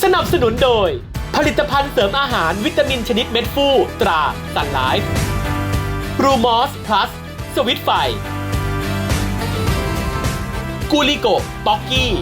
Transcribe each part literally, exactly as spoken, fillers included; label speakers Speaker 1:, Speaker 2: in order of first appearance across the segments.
Speaker 1: นับสนุนโดยผลิตภัณฑ์เสริมอาหารวิตามินชนิดเม็ดฟูตราซันไลฟ์บรูมอสพลัสสวิตไฟกูลิโกป๊อกกี้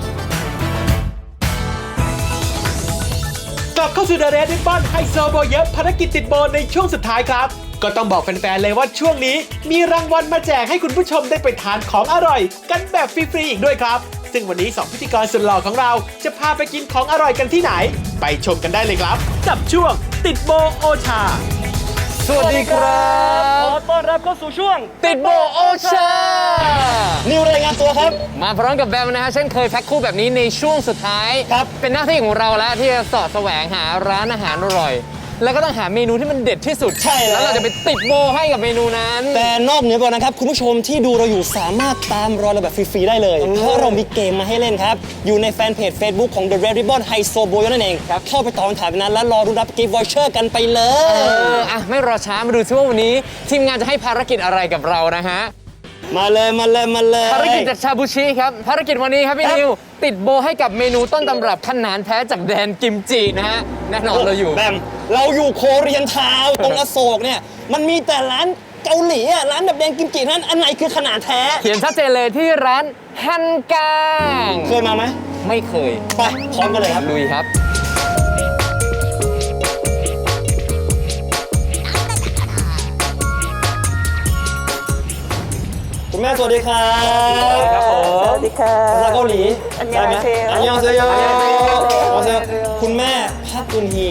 Speaker 1: กลับเข้าสู่ The Red Ribbon ไฮโซโบเยอะภารกิจติดโบในช่วงสุดท้ายครับก็ต้องบอกแฟนๆเลยว่าช่วงนี้มีรางวัลมาแจกให้คุณผู้ชมได้ไปทานของอร่อยกันแบบฟรีๆอีกด้วยครับซึ่งวันนี้สองพิธีกรสุดหล่อของเราจะพาไปกินของอร่อยกันที่ไหนไปชมกันได้เลยครับกับช่วงติดโบโอชา
Speaker 2: สวัสดีครับ
Speaker 3: ขอต้อนรับเข้าสู่ช่วง
Speaker 2: ติดโบโอชา
Speaker 3: นิวรายงานตัวครับ
Speaker 2: มาพร้อมกับแบมนะฮะเช่นเคยแพ็คคู่แบบนี้ในช่วงสุดท้าย
Speaker 3: ครับ
Speaker 2: เป็นหน้าที่ของเราแล้วที่จะเสาะแสวงหาร้านอาหารอร่อยแล้วก็ต้องหาเมนูที่มันเด็ดที่สุด
Speaker 3: ใช่แล้ว
Speaker 2: แล้วเราจะไปติดโบให้กับเมนูนั้น
Speaker 3: แต่นอกเหนือไปนะครับคุณผู้ชมที่ดูเราอยู่สามารถตามรอยเราแบบฟรีๆได้เลยเพราะเรามีเกมมาให้เล่นครับอยู่ในแฟนเพจ Facebook ของ The Red Ribbon ไฮโซโบยนั่นเองครับเข้าไปตอบคำถามนั้นแล้วรอรุ้นรับกิฟต์วอเชอร์กันไปเลย
Speaker 2: เอออ่ะไม่รอช้ามาดูซิว่าวันนี้ทีมงานจะให้ภารกิจอะไรกับเรานะฮะ
Speaker 3: มาเลยมาเลยมาเลย
Speaker 2: ภารกิจจากชาบูชิครับภารกิจวันนี้ครับพี่นิวติดโบให้กับเมนูต้นตำรับขนานแท้จากแดนกิมจินะฮะแน่นอนเราอยู่
Speaker 3: แบมเราอยู่โคเรียนทาวน์ตรงอโศกเนี่ยมันมีแต่ร้านเกาหลีอ่ะร้านแบบแดงกิมจินั้นอันไหนคือขนาดแท้
Speaker 2: เขียนชัดเจนเลยที่ร้านฮันกัง
Speaker 3: เคยมาไหม
Speaker 2: ไม่เคย
Speaker 3: ไปพร้อมกันเลยครับ
Speaker 2: ลุยครับ
Speaker 3: คุณแม่สวัสดีครับ
Speaker 4: ครับผมสวัสดีค่ะ
Speaker 3: ภาษาเกาหลี
Speaker 4: อันยองเซโย
Speaker 3: อันยองเซโยอันยองเซโยคุณแม่พักกุนฮี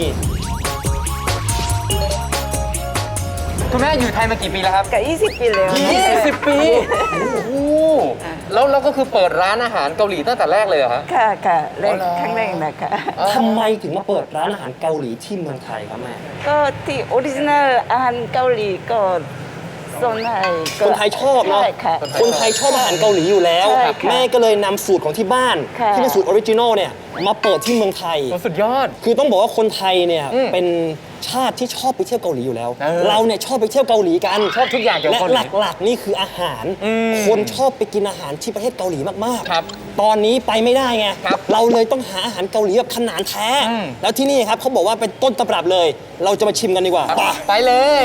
Speaker 2: คุณแม่อยู่ไทยมากี่ปีแล้วครับ
Speaker 4: กับยี่สิบปีแล้ว
Speaker 2: ยี่สิบปีโอ้โหแล้วเราก็คือเปิดร้านอาหารเกาหลีตั้งแต่แรกเลยเหรอฮะ
Speaker 4: ค่ะค่ะแรกครั้งแรกนะคะ
Speaker 3: ทำไมถึงมาเปิดร้านอาหารเกาหลีที่เมืองไทยครับแม่
Speaker 4: ก็ที่ออริจินัลอาหารเกาหลีก็คนไทย
Speaker 3: คนไทยชอบเนาะคนไทยชอบอาหารเกาหลีอยู่แล้วแม่ก็เลยนำสูตรของที่บ้านที่เป็นสูตรออริจินอลเนี่ยมาเปิดที่เมืองไทย
Speaker 2: สุดยอด
Speaker 3: คือต้องบอกว่าคนไทยเนี่ยเป็นชาติที่ชอบไปเที่ยวเกาหลีอยู่แล้วเราเนี่ยชอบไปเที่ยวเกาหลีกัน
Speaker 2: ชอบทุกอย่างเกี่ยวกับ
Speaker 3: และหลักๆนี่คืออาหารคนชอบไปกินอาหารที่ประเทศเกาหลีมากๆตอนนี้ไปไม่ได้ไงเราเลยต้องหาอาหารเกาหลีแบบขนาดแท้แล้วที่นี่ครับเขาบอกว่าเป็นต้นตำรับเลยเราจะมาชิมกันดีกว่า
Speaker 2: ไปเลย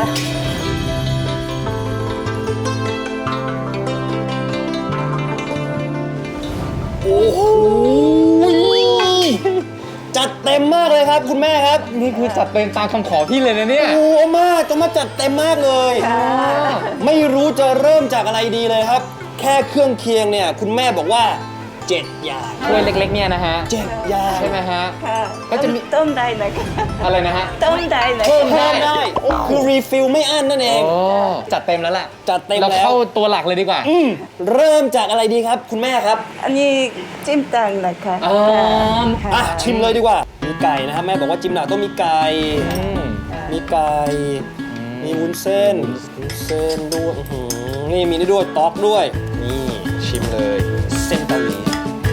Speaker 3: โอ้โหจัดเต็มมากเลยครับคุณแม่ครับ
Speaker 2: นี่คือจัดเต็มตามคำขอพี่เลยนะเนี่ย
Speaker 3: โอ้มากต้องมาจัดเต็มมากเลยไม่รู้จะเริ่มจากอะไรดีเลยครับแค่เครื่องเคียงเนี่ยคุณแม่บอกว่าเจ็ดอย่าง
Speaker 2: ถ้วยเล็กๆเนี่ยนะฮะ
Speaker 3: เจ็ดอย่าง
Speaker 2: ใช่ไหมฮะ
Speaker 4: ก็จะมีต้มได้นะคะ
Speaker 2: อะไรนะฮะ
Speaker 4: ต้มได้
Speaker 3: เพิ่มได้คือรีฟิลไม่อั้นนั่นเอง
Speaker 2: จัดเต็มแล้วแหละ
Speaker 3: จัดเต็ม
Speaker 2: แล้วเราเข้าตัวหลักเลยดีกว่า
Speaker 3: เริ่มจากอะไรดีครับคุณแม่ครับ
Speaker 4: อันนี้จิ้มตังนะคะ
Speaker 2: อ๋อ
Speaker 3: อ่ะชิมเลยดีกว่ามีไก่นะครับแม่บอกว่าจิ้มหนาต้องมีไก่มีไก่มีวุ้นเส้นวุ้นเส้นด้วยนี่มีนี่ด้วยต๊อกด้วยนี่ชิมเลยเส้นเกาหลี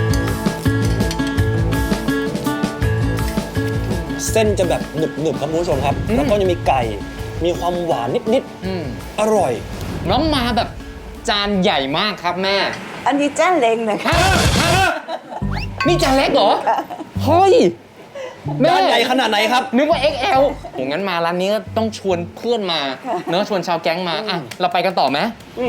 Speaker 3: เส้นจะแบบหนึบๆครับคุณผู้ชมครับแล้วก็จะมีไก่มีความหวานนิดๆอร่อย
Speaker 2: น้องมาแบบจานใหญ่มากครับแม่
Speaker 4: อันนี้จานเล็กนะคะ
Speaker 2: นี่จานเล็กเหรอเฮ้ย
Speaker 3: แม่ใหญ่ขนาดไหนครับ
Speaker 2: นึกว่า เอ็กซ์ แอล โหงั้นมาร้านนี้ก็ต้องชวนเพื่อนมาเนอะชวนชาวแก๊งมาอ่ะเราไปกันต่อไหม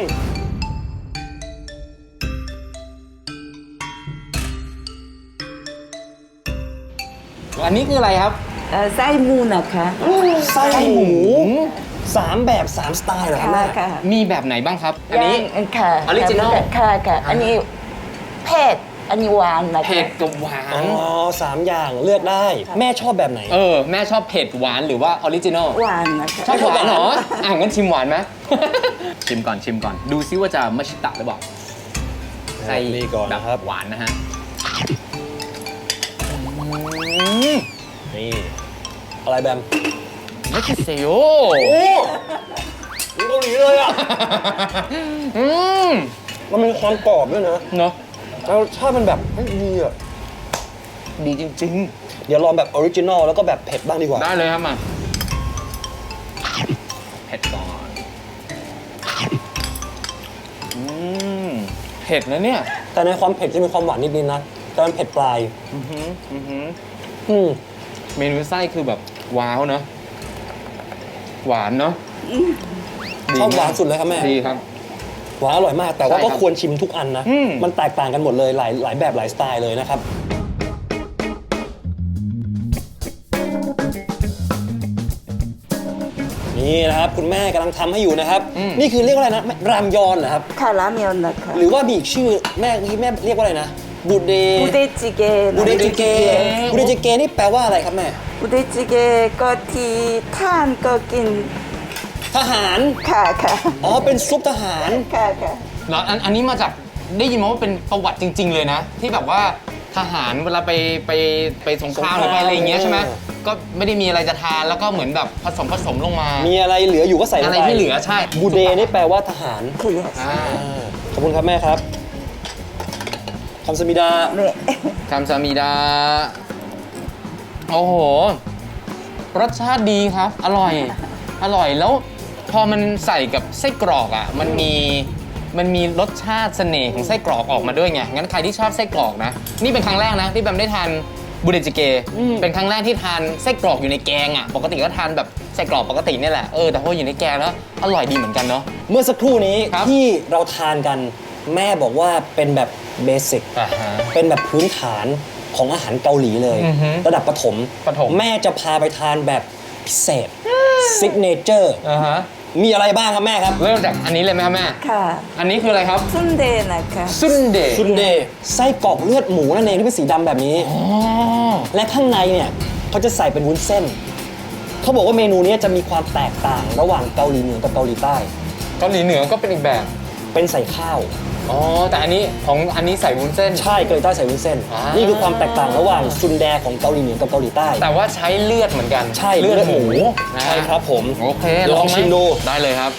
Speaker 2: อันนี้คืออะไรครับ
Speaker 4: ไส้หมูนะคะ
Speaker 3: ไส้หมูสามแบบสามสไตล์เหรอครับแม่
Speaker 2: มีแบบไหนบ้างครับอันนี้
Speaker 4: ค่ะ
Speaker 2: ออริจินอล
Speaker 4: ค่ะค่ะอันนี้เผ็ดอันนี้หวานนะคะ
Speaker 2: เผ็ดกับหวาน
Speaker 3: อ๋อสามอย่างเลือกได้แม่ชอบแบบไหน
Speaker 2: เออแม่ชอบเผ็ดหวานหรือว่าออริจินอล
Speaker 4: หวานนะคะ
Speaker 2: ชอบหวานเหรออ่ะงั้นชิมหวานไหมชิมก่อนชิมก่อนดูซิว่าจะมัชชิตะหรือเปล่า
Speaker 3: ใส่นี่ก่อนนะครับ
Speaker 2: หวานนะฮะ
Speaker 3: นี่อะไรแบม
Speaker 2: ไม่ใช่เซโย
Speaker 3: โอ้เกาหลีเลยอ่ะมันมีความกรอบด้วยนะ
Speaker 2: เนาะ
Speaker 3: แล้วชาติมันแบบดีอ่ะดีจริงๆเดี๋ยวลองแบบออริจินอลแล้วก็แบบเผ็ดบ้างดีกว่า
Speaker 2: ได้เลยครับมาเผ็ดก่อนอืมเผ็ดนะเนี่ย
Speaker 3: แต่ในความเผ็ดจะมีความหวานนิดๆนะแต่มันเผ็ดปลาย
Speaker 2: อือหืออือหือ
Speaker 3: อืม
Speaker 2: เมนูไส้คือแบบว้าวเนอะหวานเนอะ
Speaker 3: ชอบหวานสุดเลยครับแม่
Speaker 2: ดีครับ
Speaker 3: หวานอร่อยมาก แต่ว่า
Speaker 2: ใช่ครั
Speaker 3: ก็
Speaker 2: บ
Speaker 3: ควรชิมทุกอันนะ
Speaker 2: อืม
Speaker 3: มันแตกต่างกันหมดเลยหลายหลายแบบหลายสไตล์เลยนะครับ นี่นะครับคุณแม่กำลังทำให้อยู่นะครับ นี่คือเรียกว่าอะไรนะรามยอนเหรอครับ
Speaker 4: ค่ะราเมนนะคะ
Speaker 3: หรือว่ามีอีกชื่อแม่ที่แม่เรียกว่าอะไรนะบูเด
Speaker 4: บุเดจิเกะ
Speaker 3: บูเดจิเกบูเดจิเกนี่แปลว่าอะไรครับแม่
Speaker 4: บุเดจิเกะก็ที่ท่านก็กิน
Speaker 3: ทหาร
Speaker 4: ค่ะค่ะ
Speaker 3: อ๋อเป็นซุปทหาร
Speaker 4: ค่ะค่ะ
Speaker 2: เนาะอันอันนี้มาจากได้ยินมาว่าเป็นประวัติจริง ๆ เลยนะ ที่แบบว่าทหารเวลาไปไปไปสงครามหรือไปอะไรอย่างเงี้ยใช่ไหมก็ไม่ได้มีอะไรจะทานแล้วก็เหมือนแบบผสมผสมลงมา
Speaker 3: มีอะไรเหลืออยู่ก็ใส่ลง
Speaker 2: อะไร
Speaker 3: ไป
Speaker 2: ที่เหลือใช่
Speaker 3: บูเดนี่แปลว่าทหาร
Speaker 4: คือ
Speaker 2: อ่า
Speaker 3: ขอบคุณครับแม่ครับคำสมิดา
Speaker 4: เมะ
Speaker 2: คำซามิดา โอ้โห รสชาติดีครับ อร่อย อร่อยแล้วพอมันใส่กับไส้กรอกอ่ะมันมีมันมีรสชาติเสน่ห์ของไส้กรอกออกมาด้วยไงงั้นใครที่ชอบไส้กรอกนะนี่เป็นครั้งแรกนะที่แบมได้ทานบูเดจิเกเป็นครั้งแรกที่ทานไส้กรอกอยู่ในแกงอ่ะปกติก็ทานแบบไส้กรอกปกติเนี่ยแหละเออแต่พออยู่ในแกงแล้วอร่อยดีเหมือนกันเนาะ
Speaker 3: เมื่อสักครู่นี้
Speaker 2: ครับ
Speaker 3: ที่เราทานกันแม่บอกว่าเป็นแบบเบสิก
Speaker 2: อ่าฮะ
Speaker 3: เป็นแบบพื้นฐานของอาหารเกาหลีเลย
Speaker 2: อือฮึ
Speaker 3: ระดับประถม
Speaker 2: ประถม
Speaker 3: แม่จะพาไปทานแบบพิเศษซิกเนเจอร์
Speaker 2: อ่าฮะ
Speaker 3: มีอะไรบ้างครับแม่ครับ
Speaker 2: เริ่มจากอันนี้เลยไหมครับแม่
Speaker 4: ค่ะ
Speaker 2: อันนี้คืออะไรครับ
Speaker 4: ซุนเดะนะคะ
Speaker 2: ซุนเดะ
Speaker 3: ซุนเดย์ไส้กรอกเลือดหมูนั่นเองที่เป็นสีดำแบบนี้
Speaker 2: อ๋อ
Speaker 3: และข้างในเนี่ยเขาจะใส่เป็นวุ้นเส้น เขาบอกว่าเมนูนี้จะมีความแตกต่างระหว่างเกาหลีเหนือกับเกาหลีใต้
Speaker 2: เกาหลีเหนือก็เป็นอีกแบบ
Speaker 3: เป็นใส่ข้าว
Speaker 2: อ๋อแต่อันนี้ของอันนี้ใส่วุ้นเส้น
Speaker 3: ใช่เกาหลีใต้ใส่วุ้นเส้น
Speaker 2: อ่านี่
Speaker 3: นี่คือความแตกต่างระหว่างซุนแดของเกาหลีเหนือกับเกาหลีใต้
Speaker 2: แต่ว่าใช้เลือดเหมือนกัน
Speaker 3: ใช่
Speaker 2: เลือดหมูนะ
Speaker 3: ใช่ครับผม
Speaker 2: โอเค
Speaker 3: ลอง
Speaker 2: ไห
Speaker 3: ชิมดู
Speaker 2: ได้เลยครับ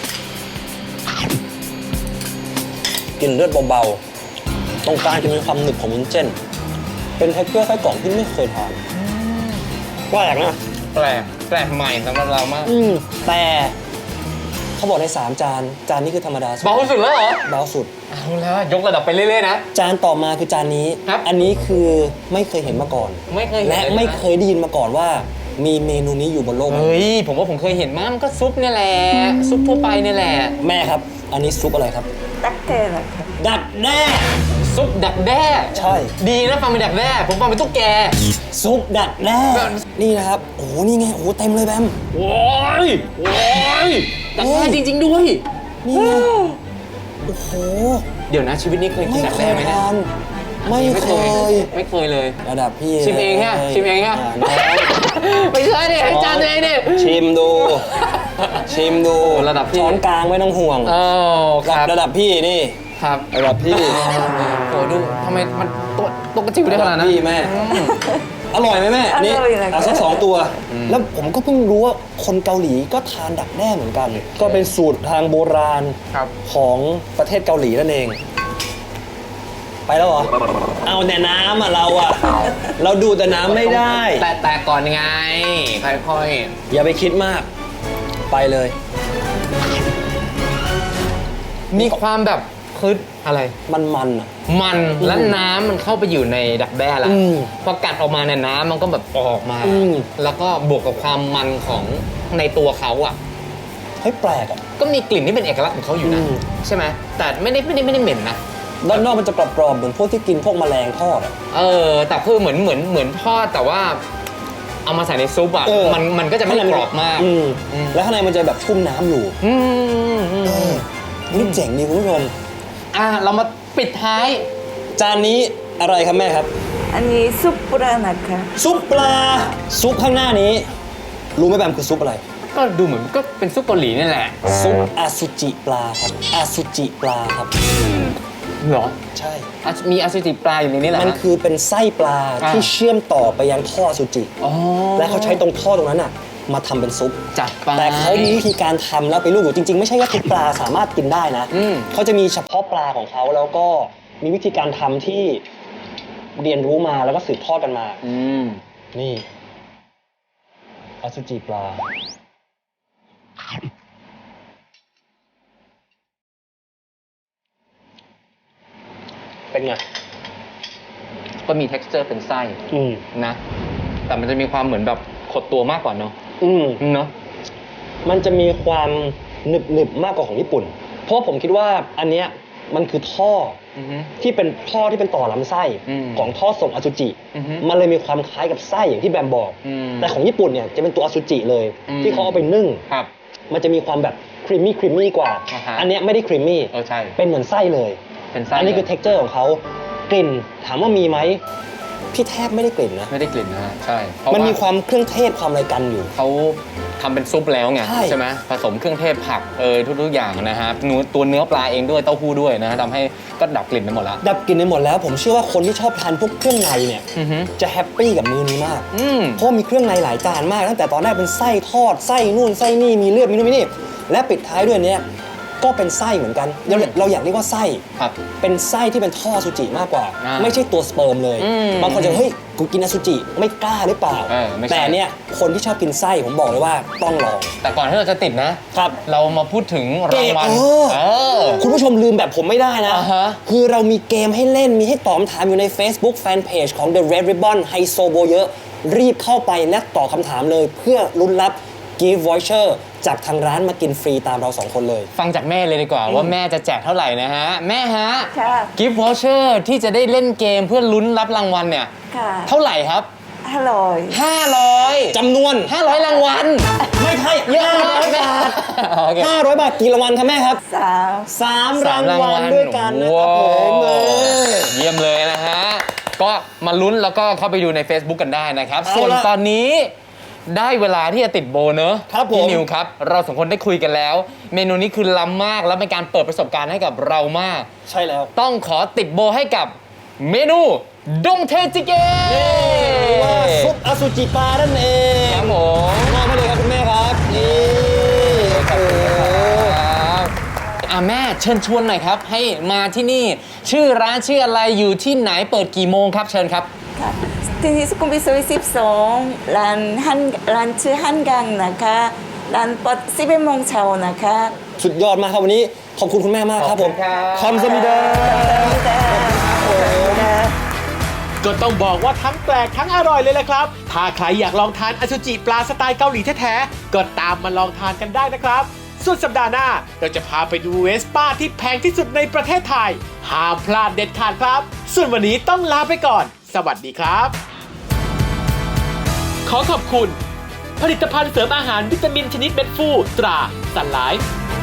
Speaker 3: กลิ่นเลือดเบาๆ ตรงกลางจะมีความหนึบของวุ้นเส้น เป็นเท็กเจอร์ไส้กรอกที่ไม่เคยทานแปลกนะ
Speaker 2: แปลกแปลกใหม่สำหรับเรามาก
Speaker 3: อืมแต่เขาบอกในสามจาน จานนี้คือธรรมดาสุด
Speaker 2: เบาสุดแล้วเหรอ
Speaker 3: เบาสุด
Speaker 2: เอาแล้วยกระดับไปเรื่อยๆนะ
Speaker 3: จานต่อมาคือจานนี้
Speaker 2: ครับ
Speaker 3: อันนี้คือไม่เคยเห็นมาก่อน
Speaker 2: ไม่เคยเห็น
Speaker 3: และ
Speaker 2: เลยนะ
Speaker 3: ไม่เคยได้ยินมาก่อนว่า มีเมนูนี้อยู่บนโลกใบนี้
Speaker 2: เฮ้ยผมว่าผมเคยเห็นมั้งมันก็ซุปเนี่ยแหละซุปทั่วไปเนี่ยแหละ
Speaker 3: แม่ครับ อันนี้ซุปอะไรครับ
Speaker 4: ตักเตะนะคะ
Speaker 3: ดักแด้
Speaker 2: ซุปดักแด้
Speaker 3: ใช่
Speaker 2: ดีนะฟังเป็นดักแด้ผมฟังเป็นตุ๊กแก
Speaker 3: ซุปดักแด้ นี่นะครับ โอ้โห นี่ไง โอ้โห เต็มเลยแบม
Speaker 2: โอ้ยโอ้ยดักแด้จริง ๆ ด้วย
Speaker 3: นี่ไง โอ้โห
Speaker 2: เดี๋ยวนะชีวิตนี้เคยกิ
Speaker 3: ไม่
Speaker 2: นดัก
Speaker 3: เค
Speaker 2: แด้
Speaker 3: ย
Speaker 2: ไหมเนี่ย
Speaker 3: ทาน ไม่เคย
Speaker 2: ไม่เคยเลย
Speaker 3: ระดับพี่
Speaker 2: ชิมเองฮะ
Speaker 3: ลย
Speaker 2: ชิมเองฮะ
Speaker 3: าน้อง
Speaker 2: ไม่ใช่ดิให้จานตัวเองดิ
Speaker 3: ชิมดู ชิมดู
Speaker 2: ระดับพี่
Speaker 3: ช้อนกลางไม่ต้องห่วง
Speaker 2: โอ้ครับ
Speaker 3: ระดับพี่นี่
Speaker 2: ครับ
Speaker 3: ระดับพี่
Speaker 2: โอ้ดูทำไมมันตัวตัวกระจิ๋วได้ขนาดนั้น
Speaker 3: พี่แม่ อร่อยไหมแม่ นี่
Speaker 4: อร่อยนะคะ
Speaker 3: เอาสักสองตัว แล้วผมก็เพิ่งรู้ว่าคนเกาหลีก็ทานดักแด้เหมือนกัน ก็เป็นสูตรทางโบราณ
Speaker 2: ครับ
Speaker 3: ของประเทศเกาหลีนั่นเอง ไปแล้วเหรอ เอาแต่น้ำอ่ะเราอ่ะ เราดูแต่น้ำไม่ได้
Speaker 2: แต่แต่ก่อนไงค่อย
Speaker 3: อย่าไปคิดมาก ไปเลย
Speaker 2: ๆมีความแบบคืออะไร
Speaker 3: มันมันอ่ะ
Speaker 2: มันและน้ำมันเข้าไปอยู่ในดักแด้ละ
Speaker 3: อืม
Speaker 2: พอกัดออกมาเนี่ยน้ำมันก็แบบออกมา
Speaker 3: อืม
Speaker 2: แล้วก็บวกกับความมันของในตัวเขาอ่ะ
Speaker 3: เฮ้ยแปลกอ่ะ
Speaker 2: ก็มีกลิ่นที่เป็นเอกลักษณ์ของเขาอยู่นะ
Speaker 3: อืม
Speaker 2: ใช่ไหมแต่ไม่ได้ไม่ได้ไม่ได้เหม็นนะ
Speaker 3: ด้านนอกมันจะกรอบๆเหมือนพวกที่กินพวกแมลงทอดอ่ะ
Speaker 2: เออแต่คือเหมือนเหมือนเหมือนทอดแต่ว่า เอามาใส่ในซุปอ่ะ
Speaker 3: เออ
Speaker 2: มันมันก็จะไม่กรอบมาก
Speaker 3: อืม
Speaker 2: อืม
Speaker 3: แล้วข้างในมันจะแบบชุ่มน้ำอยู่
Speaker 2: อืมอืม
Speaker 3: เอ
Speaker 2: อื
Speaker 3: อ
Speaker 2: ม
Speaker 3: นี่เจ๋งดีคุณผู้ชม
Speaker 2: อ่ะเรามาปิดท้าย
Speaker 3: จานนี้อะไรครับแม่ครับ
Speaker 4: อันนี้ซุปปลานะคะ
Speaker 3: ซุปปลา ซุปข้างหน้านี้ รู้ไหมแบมคือซุปอะไร
Speaker 2: ก็ดูเหมือนก็เป็นซุปเกาหลีนี่แหละ
Speaker 3: ซุปอาซูจิปลาครับ อาซูจิปลาครับ
Speaker 2: เหรอ
Speaker 3: ใช่
Speaker 2: อ่ะมีอสุจิปลาอยู่ในนี้แหละ
Speaker 3: มันคือเป็นไส้ปลา
Speaker 2: อ่า
Speaker 3: ที่เชื่อมต่อไปยังท่ออสุจิ
Speaker 2: อ๋อ
Speaker 3: และเขาใช้ตรงท่อตรงนั้นอ่ะ มาทำเป็นซุป
Speaker 2: จัดไป
Speaker 3: แต่เขามีวิธีการทำแล้วไปลูกอยู่จริงๆ ไม่ใช่ว่าทุกปลาสามารถกินได้นะ
Speaker 2: อืม
Speaker 3: เขาจะมีเฉพาะปลาของเขาแล้วก็มีวิธีการทำที่เรียนรู้มาแล้วก็สืบทอดกันมา
Speaker 2: อืม
Speaker 3: นี่อสุจิปลา เป็นไง
Speaker 2: ก็มี texture เป็นไส้
Speaker 3: อืม
Speaker 2: นะแต่มันจะมีความเหมือนแบบขดตัวมากกว่าเนาะ
Speaker 3: อืม
Speaker 2: เนาะ
Speaker 3: มันจะมีความหนึบหนึบๆมากกว่าของญี่ปุ่น เพราะว่าผมคิดว่าอันเนี้ยมันคือท่อ
Speaker 2: อือฮึ
Speaker 3: ที่เป็นท่อที่เป็นต่อลำไส้
Speaker 2: อืม
Speaker 3: ของท่อส่งอสุจิ
Speaker 2: อือฮึ
Speaker 3: มันเลยมีความคล้ายกับไส้อย่างที่แบมบอก
Speaker 2: อืม
Speaker 3: แต่ของญี่ปุ่นเนี่ยจะเป็นตัวอสุจิเลย
Speaker 2: อืม
Speaker 3: ที่เขาเอาไปนึ่ง
Speaker 2: ครับ
Speaker 3: มันจะมีความแบบครีมมี่ครีมมี่กว่า
Speaker 2: อ่าฮะ
Speaker 3: อันเนี้ยไม่ได้ครีมมี่
Speaker 2: เออใช่
Speaker 3: เป็นเหมือนไส้เลย
Speaker 2: เป็นไส้
Speaker 3: อันนี้คือ
Speaker 2: เลย
Speaker 3: เท็กเจอร์ของเขากลิ่นถามว่ามีไหมพี่แทบไม่ได้กลิ่นนะ
Speaker 2: ไม่ได้กลิ่นนะฮะใช่เพราะ
Speaker 3: มัน
Speaker 2: ว่า
Speaker 3: มีความเครื่องเทศความอะไรกันอยู่
Speaker 2: เขาทำเป็นซุปแล้วไง
Speaker 3: ใช่
Speaker 2: ใช่ไหมผสมเครื่องเทศผักเออทุกๆอย่างนะฮะเนื้อตัวเนื้อปลาเองด้วยเต้าหู้ด้วยนะฮะทำให้ก็ดับกลิ่นไปหมดแล้ว
Speaker 3: ดับกลิ่นไปหมดแล้ว ผมเชื่อว่าคนที่ชอบทานพวกเครื่องในเนี่ย
Speaker 2: อือฮึ
Speaker 3: จะแฮปปี้กับมื้อนี้มาก
Speaker 2: อืม
Speaker 3: เพราะมีเครื่องในหลายจานมาก ตั้งแต่ตอนแรกเป็นไส้ทอดไส้นู่นไส้นี่มีเลือดมีนู่นมีนี่และปิดท้ายด้วยเนี่ยก็เป็นไส้เหมือนกันเรา
Speaker 2: อืม
Speaker 3: เราอยากเรียกว่าไส้
Speaker 2: ครับ
Speaker 3: เป็นไส้ที่เป็นท่ออสุจิมากกว่า
Speaker 2: อ่า
Speaker 3: ไม่ใช่ตัวสเปิร์มเลย
Speaker 2: อืม
Speaker 3: บางคนจะเฮ้ยกูกินอสุจิไม่กล้าหรือเปล่า
Speaker 2: เออไม่ใช่
Speaker 3: แต่เนี่ยคนที่ชอบกินไส้ผมบอกเลยว่าต้องลอง
Speaker 2: แต่ก่อนที่เราจะติดนะ
Speaker 3: ครับ
Speaker 2: เรามาพูดถึงรางวัล
Speaker 3: เออ
Speaker 2: เออ
Speaker 3: คุณผู้ชมลืมแบบผมไม่ได้นะ
Speaker 2: อ่าฮะ
Speaker 3: คือเรามีเกมให้เล่นมีให้ตอบคำถามอยู่ใน Facebook Fanpage ของ The Red Ribbon ไฮโซโบเยอะรีบเข้าไปและตอบคำถามเลย เพื่อลุ้นรับ Gift Voucher จากทางร้านมากินฟรีตามเราสองคนเลย
Speaker 2: ฟังจากแม่เลยดีกว่าว่าแม่จะแจกเท่าไหร่นะฮะ แม่ฮะ
Speaker 4: ค่ะ
Speaker 2: กิฟต์วอเชอร์ที่จะได้เล่นเกมเพื่อลุ้นรับรางวัลเนี่ย
Speaker 4: ค่ะ
Speaker 2: เท่าไหร่ครับ
Speaker 4: อร่อย
Speaker 2: ห้าร้อย
Speaker 3: จำนวน
Speaker 2: ห้าร้อยรางวัล
Speaker 3: ไม่ใช่
Speaker 2: เยอะมาก
Speaker 3: ห้าร้อยบาท
Speaker 2: โอเค
Speaker 3: ห้าร้อยบาทกี่รางวัลครับแม่ครับ
Speaker 4: สาม
Speaker 3: สาม
Speaker 2: สาร
Speaker 3: าม ง
Speaker 2: ราง
Speaker 3: วั
Speaker 2: วั
Speaker 3: ล
Speaker 2: ล
Speaker 3: ด้วยกันนะครับผมเออ
Speaker 2: เยี่ยมเลยนะฮะ ก็มาลุ้นแล้วก็เข้าไปดูใน Facebook กันได้นะครับ
Speaker 3: เอาล่ะ
Speaker 2: ส่วนตอนนี้ได้เวลาที่จะติดโบเนอะ
Speaker 3: ครับผม
Speaker 2: พี่นิวครับ เราสองคนได้คุยกันแล้ว เมนูนี้คือล้ำมากแล้วเป็นการเปิดประสบการณ์ให้กับเรามาก
Speaker 3: ใช่แล้ว
Speaker 2: ต้องขอติดโบให้กับเมนูดงเทจิเกะ
Speaker 3: หรือว่าซุปอสุจิปลานั่นเอง
Speaker 2: ครับผม
Speaker 3: มอบให้เลยครับคุณแม่ครับนี่โอ้โห
Speaker 2: ครับอ่ะแม่เชิญชวนหน่อยครับ ให้มาที่นี่ชื่อร้านชื่ออะไรอยู่ที่ไหนเปิดกี่โมงครับเชิญครับ
Speaker 4: ค่ะที่นี่สุขุมวิทซอยสิบสองร้านฮันร้านชื่อฮันกังนะคะร้านเปิดสิบเอ็ดโมงเช้านะคะ
Speaker 3: สุดยอดมากครับวันนี้ขอบคุณคุณแม่มากครับผม
Speaker 2: ขอบคุณครับ
Speaker 3: คอมสมิดา
Speaker 1: ก็ต้องบอกว่าทั้งแปลกทั้งอร่อยเลยแหละครับ ถ้าใครอยากลองทานอสุจิปลาสไตล์เกาหลีแท้ๆ ก็ตามมาลองทานกันได้นะครับ ส่วนสัปดาห์หน้าเราจะพาไปดูเวสป้าที่แพงที่สุดในประเทศไทย ห้ามพลาดเด็ดขาดครับ ส่วนวันนี้ต้องลาไปก่อน สวัสดีครับ ขอขอบคุณ ผลิตภัณฑ์เสริมอาหารวิตามินชนิดเม็ดฟูตราสันไลฟ์